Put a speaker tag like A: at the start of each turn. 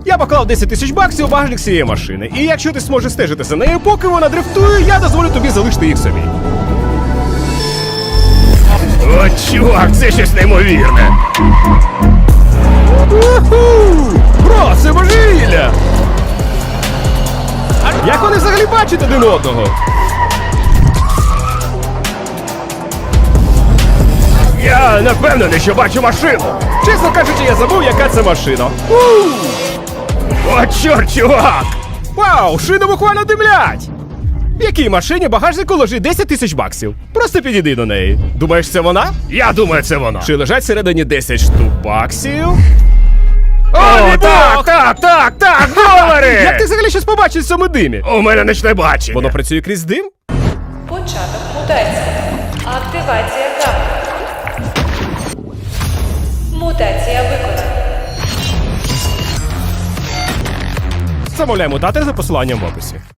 A: Я поклав 10 тисяч баксів у багажник цієї машини. І якщо ти зможеш стежити за нею, поки вона дрифтує, я дозволю тобі залишити їх собі.
B: О, чувак, це щось неймовірне.
A: Уху! Бро, це божевілля! Як вони взагалі бачать один одного?
B: Я не впевнений, що бачу машину.
A: Чесно кажучи, я забув, яка це машина.
B: О, чорт, чувак!
A: Вау, шини буквально димлять! В якій машині багажнику лежить 10 тисяч баксів? Просто підійди до неї. Думаєш, це вона?
B: Я думаю, це вона.
A: Чи лежать всередині 10 штук баксів?
B: О,
A: мій Бог!
B: так, долари!
A: Як ти взагалі щось побачиш в цьому димі?
B: У мене нічне бачення.
A: Воно працює крізь дим?
C: Початок мутації. Активація гамма. Мутація виконана.
A: Замовляй мутатор за посиланням в описі.